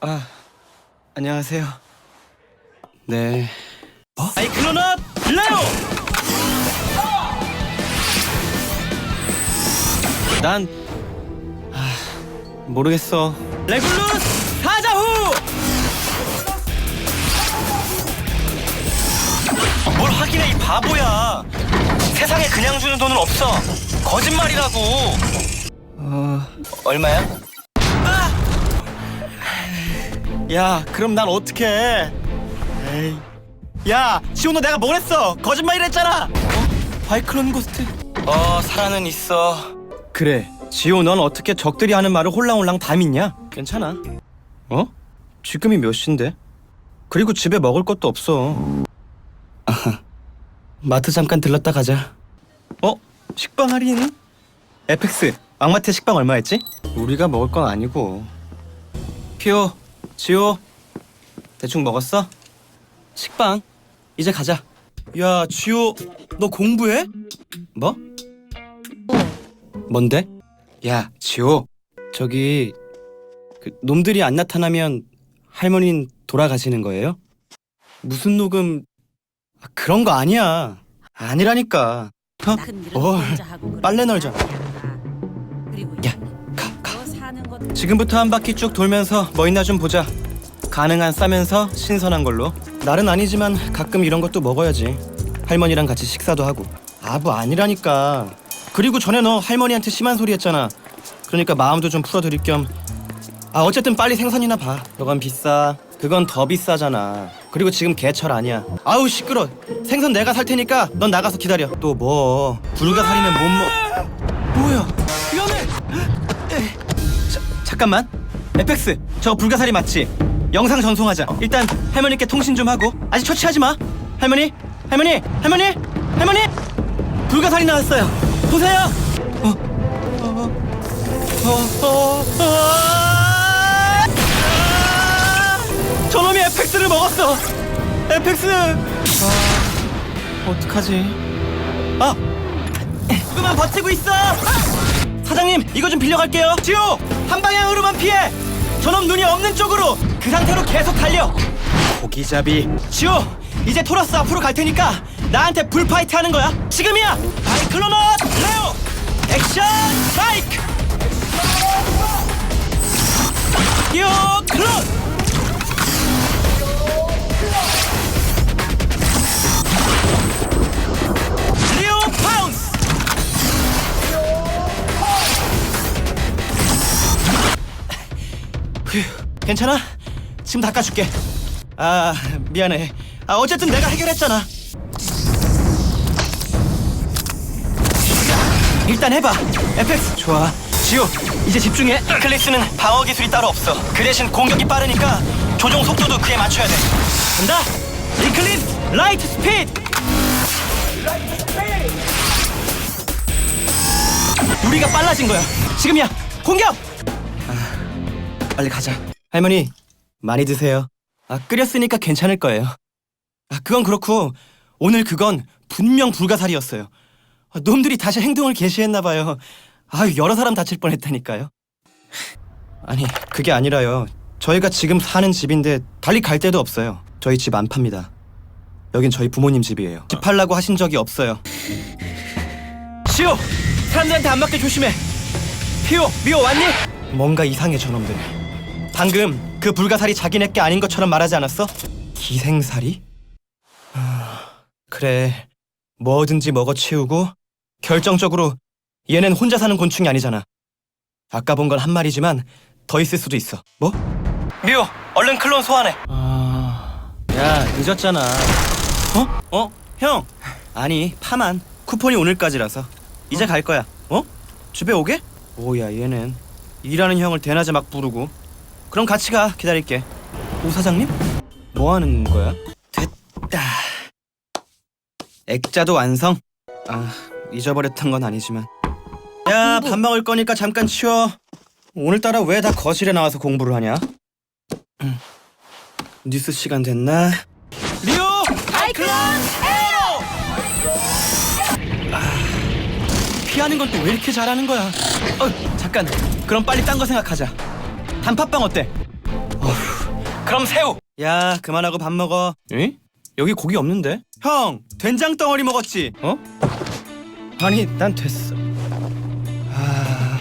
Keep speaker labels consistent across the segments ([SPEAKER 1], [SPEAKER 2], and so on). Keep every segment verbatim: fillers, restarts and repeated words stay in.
[SPEAKER 1] 아, 안녕하세요. 네.
[SPEAKER 2] 어? 사이클로넛 레오!
[SPEAKER 1] 난 아, 모르겠어.
[SPEAKER 2] 레굴루스 사자후! 뭘 확인해, 이 바보야. 세상에 그냥 주는 돈은 없어. 거짓말이라고.
[SPEAKER 1] 어,
[SPEAKER 2] 얼마야? 아!
[SPEAKER 1] 야, 그럼 난 어떡해? 에이. 야, 지호 너 내가 뭘 했어? 거짓말이랬잖아. 어? 바이클론 고스트.
[SPEAKER 2] 어, 살아는 있어.
[SPEAKER 1] 그래, 지호 넌 어떻게 적들이 하는 말을 홀랑홀랑 다 믿냐? 괜찮아. 어? 지금이 몇 시인데? 그리고 집에 먹을 것도 없어. 아하. 마트 잠깐 들렀다 가자. 어? 식빵 할인? 에펙스, 왕마트 식빵 얼마였지? 우리가 먹을 건 아니고. 피오, 지호, 대충 먹었어? 식빵, 이제 가자. 야, 지호, 너 공부해? 뭐? 뭔데? 야, 지호, 저기 그 놈들이 안 나타나면 할머니는 돌아가시는 거예요? 무슨 녹음? 아, 그런 거 아니야. 아니라니까. 어? 뭘? 빨래 널자. 야, 가, 가. 지금부터 한 바퀴 쭉 돌면서 뭐 있나 좀 보자. 가능한 싸면서 신선한 걸로. 날은 아니지만 가끔 이런 것도 먹어야지. 할머니랑 같이 식사도 하고. 아, 뭐 아니라니까. 그리고 전에 너 할머니한테 심한 소리 했잖아. 그러니까 마음도 좀 풀어드릴 겸. 아, 어쨌든 빨리 생선이나 봐. 그건 비싸. 그건 더 비싸잖아. 그리고 지금 개철 아니야. 아우 시끄러. 생선 내가 살 테니까 넌 나가서 기다려. 또 뭐? 불가사리는 못 먹. 뭐야? 위험해. 자, 잠깐만. 에펙스, 저 불가사리 맞지? 영상 전송하자. 일단 할머니께 통신 좀 하고. 아직 처치하지 마. 할머니, 할머니, 할머니, 할머니. 불가사리 나왔어요. 보세요. 어, 어, 어, 어, 어. 저놈이 에펙스를 먹었어. 에펙스. 아, 어떡하지? 아, 조금만 버티고 있어. 사장님, 이거 좀 빌려갈게요. 지호, 한 방향으로만 피해. 저놈 눈이 없는 쪽으로. 그 상태로 계속 달려. 고기잡이. 지호, 이제 토러스 앞으로 갈 테니까 나한테 불파이트 하는 거야. 지금이야. 바이클로넛 레오. 액션 바이크. 요 클론. 리오 파운스. 휴, 괜찮아? 지금 닦아줄게. 아, 미안해. 아, 어쨌든 내가 해결했잖아. 일단 해봐. 에펙스. 좋아. 지호, 이제 집중해. 클리스는 방어 기술이 따로 없어. 그 대신 공격이 빠르니까 조종 속도도 그에 맞춰야 돼. 간다. 리클리스 라이트 스피드. 우리가 빨라진 거야. 지금이야. 공격. 아, 빨리 가자. 할머니, 많이 드세요. 아, 끓였으니까 괜찮을 거예요. 아, 그건 그렇고 오늘 그건 분명 불가사리였어요. 아, 놈들이 다시 행동을 개시했나 봐요. 아, 여러 사람 다칠 뻔했다니까요. 아니, 그게 아니라요. 저희가 지금 사는 집인데 달리 갈 데도 없어요. 저희 집 안 팝니다. 여긴 저희 부모님 집이에요. 집 팔라고 하신 적이 없어요. 시오! 사람들한테 안 맞게 조심해. 피오, 미오 왔니? 뭔가 이상해 저놈들. 방금 그 불가사리 자기네 게 아닌 것처럼 말하지 않았어? 기생살이? 아, 그래, 뭐든지 먹어치우고 결정적으로 얘는 혼자 사는 곤충이 아니잖아. 아까 본 건 한 마리지만 더 있을 수도 있어. 뭐? 미오, 얼른 클론 소환해. 아... 야, 늦었잖아. 어? 어? 형! 아니, 파만. 쿠폰이 오늘까지라서 이제 어? 갈 거야. 어? 집에 오게? 뭐야 얘는. 일하는 형을 대낮에 막 부르고. 그럼 같이 가. 기다릴게. 오 사장님? 뭐 하는 거야? 됐다. 액자도 완성. 아, 잊어버렸던 건 아니지만. 야, 밥 먹을 거니까 잠깐 치워. 오늘따라 왜 다 거실에 나와서 공부를 하냐? 음. 뉴스 시간 됐나? 리오! 바이클론 에어! 아, 피하는 건 또 왜 이렇게 잘하는 거야? 어, 잠깐. 그럼 빨리 딴 거 생각하자. 단팥빵 어때? 어휴.
[SPEAKER 2] 그럼 새우.
[SPEAKER 1] 야, 그만하고 밥 먹어. 에? 여기 고기 없는데? 형, 된장 덩어리 먹었지? 어? 아니, 난 됐어. 아...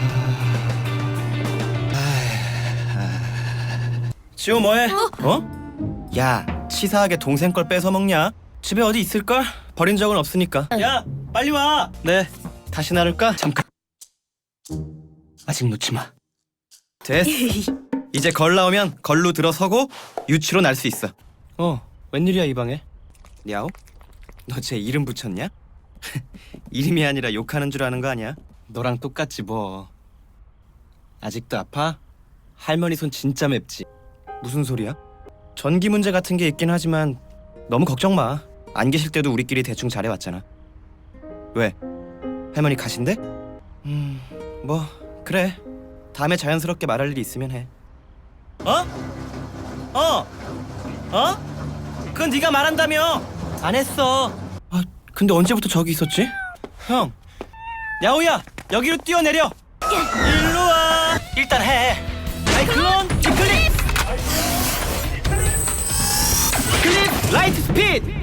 [SPEAKER 1] 아... 지호 뭐해? 어? 야, 치사하게 동생 걸 뺏어 먹냐? 집에 어디 있을걸? 버린 적은 없으니까. 야, 빨리 와. 네, 다시 나눌까? 잠깐. 아직 놓지 마. 됐어. 이제 걸 나오면 걸로 들어서고 유치로 날 수 있어. 어, 웬일이야 이 방에? 야오? 너 쟤 이름 붙였냐? 이름이 아니라 욕하는 줄 아는 거 아니야? 너랑 똑같지 뭐. 아직도 아파? 할머니 손 진짜 맵지? 무슨 소리야? 전기 문제 같은 게 있긴 하지만 너무 걱정 마. 안 계실 때도 우리끼리 대충 잘해왔잖아. 왜? 할머니 가신대? 음... 뭐 그래. 다음에 자연스럽게 말할 일이 있으면 해. 어? 어? 어? 그건 네가 말한다며. 안 했어. 아, 근데 언제부터 저기 있었지? 형, 야오야, 여기로 뛰어내려. 일로 와.
[SPEAKER 2] 일단 해.
[SPEAKER 1] 사이클론 이클립. 클립 라이트 스피드.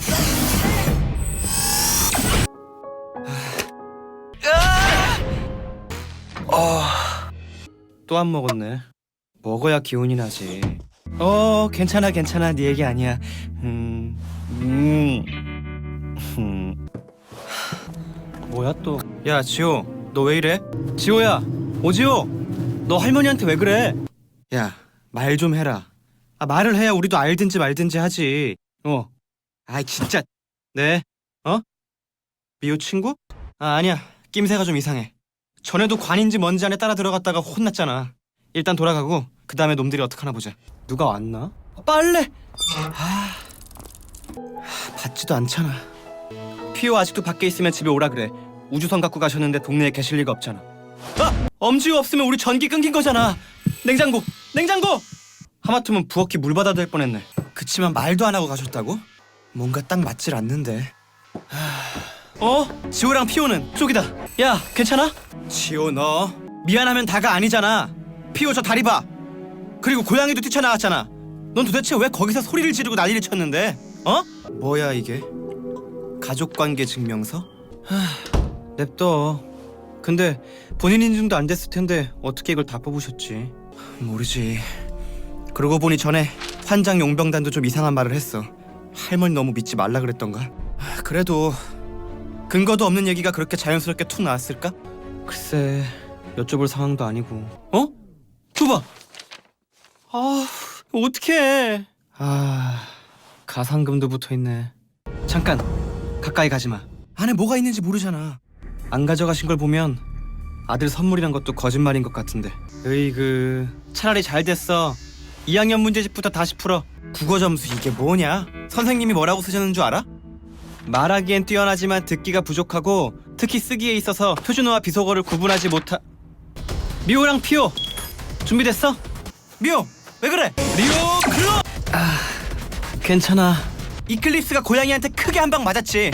[SPEAKER 2] 어...
[SPEAKER 1] 또 안 먹었네. 먹어야 기운이 나지. 어, 괜찮아 괜찮아. 네 얘기 아니야. 음... 음... 음... 뭐야 또. 야, 지호, 너 왜 이래? 지호야, 오지호, 너 할머니한테 왜 그래? 야, 말 좀 해라. 아, 말을 해야 우리도 알든지 말든지 하지. 어. 아이 진짜. 네. 어? 미호 친구? 아, 아니야. 낌새가 좀 이상해. 전에도 관인지 뭔지 안에 따라 들어갔다가 혼났잖아. 일단 돌아가고 그 다음에 놈들이 어떡하나 보자. 누가 왔나? 빨래! 아... 받지도 않잖아. 피오 아직도 밖에 있으면 집에 오라 그래. 우주선 갖고 가셨는데 동네에 계실 리가 없잖아. 아! 엄지우 없으면 우리 전기 끊긴 거잖아. 냉장고! 냉장고! 하마터면 부엌이 물 받아야 될 뻔했네. 그치만 말도 안 하고 가셨다고? 뭔가 딱 맞질 않는데. 하... 어? 지호랑 피오는 쪽이다. 야, 괜찮아? 지호 너 미안하면 다가 아니잖아. 피오 저 다리 봐. 그리고 고양이도 뛰쳐나왔잖아. 넌 도대체 왜 거기서 소리를 지르고 난리를 쳤는데? 어? 뭐야 이게? 가족관계 증명서? 하... 냅둬. 근데 본인 인증도 안 됐을 텐데 어떻게 이걸 다 뽑으셨지? 모르지. 그러고 보니 전에 환장 용병단도 좀 이상한 말을 했어. 할머니 너무 믿지 말라 그랬던가? 그래도 근거도 없는 얘기가 그렇게 자연스럽게 툭 나왔을까? 글쎄, 여쭤볼 상황도 아니고. 어? 줘봐. 아, 어떡해. 아, 가상금도 붙어있네. 잠깐, 가까이 가지마. 안에 뭐가 있는지 모르잖아. 안 가져가신 걸 보면 아들 선물이란 것도 거짓말인 것 같은데. 으이그, 차라리 잘 됐어. 이 학년 문제집부터 다시 풀어. 국어 점수 이게 뭐냐? 선생님이 뭐라고 쓰셨는 줄 알아? 말하기엔 뛰어나지만 듣기가 부족하고 특히 쓰기에 있어서 표준어와 비속어를 구분하지 못하... 미호랑 피오 준비됐어? 미호 왜 그래? 리오 클로! 아... 괜찮아. 이클립스가 고양이한테 크게 한 방 맞았지.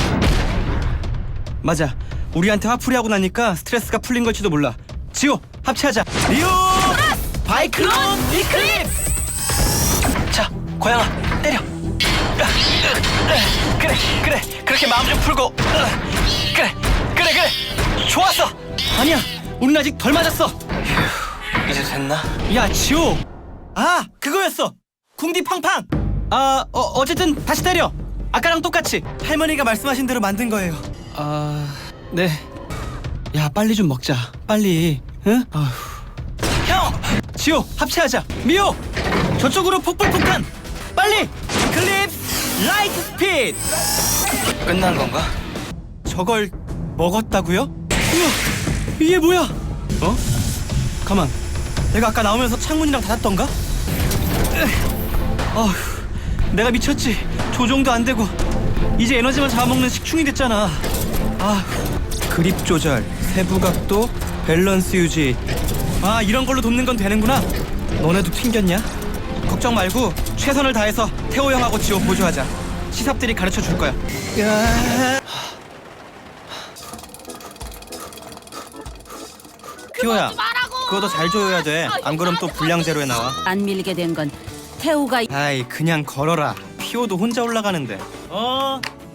[SPEAKER 1] 맞아. 우리한테 화풀이하고 나니까 스트레스가 풀린 걸지도 몰라. 지호 합체하자. 리오 바이클론 이클립스!
[SPEAKER 2] 자, 고양아 때려. 그래, 그래, 그렇게 마음 좀 풀고. 그래, 그래, 그래. 좋았어.
[SPEAKER 1] 아니야, 우린 아직 덜 맞았어.
[SPEAKER 2] 휴, 이제 됐나?
[SPEAKER 1] 야, 지호. 아, 그거였어. 궁디 팡팡. 아, 어, 어쨌든 다시 때려. 아까랑 똑같이. 할머니가 말씀하신 대로 만든 거예요. 아, 네. 야, 빨리 좀 먹자. 빨리. 응? 아휴.
[SPEAKER 2] 형!
[SPEAKER 1] 지호, 합체하자. 미호, 저쪽으로 폭발폭탄. 빨리. 클립스 라이트 스피드.
[SPEAKER 2] 끝난 건가?
[SPEAKER 1] 저걸 먹었다고요? 우와, 이게 뭐야? 어? 가만. 내가 아까 나오면서 창문이랑 닫았던가? 어휴, 내가 미쳤지. 조종도 안 되고 이제 에너지만 잡아먹는 식충이 됐잖아. 아, 그립 조절, 세부 각도, 밸런스 유지. 아, 이런 걸로 돕는 건 되는구나. 너네도 튕겼냐? 걱정 말고 최선을 다해서 태호 형하고 지호 보조하자. 시삽들이 가르쳐 줄 거야. 야... 피오야, 그거 더 잘 조여야 돼. 안 그럼 또 분량 제로에 나와.
[SPEAKER 3] 안 밀리게 된 건 태우가
[SPEAKER 1] 아이 그냥 걸어라. 피오도 혼자 올라가는데. 어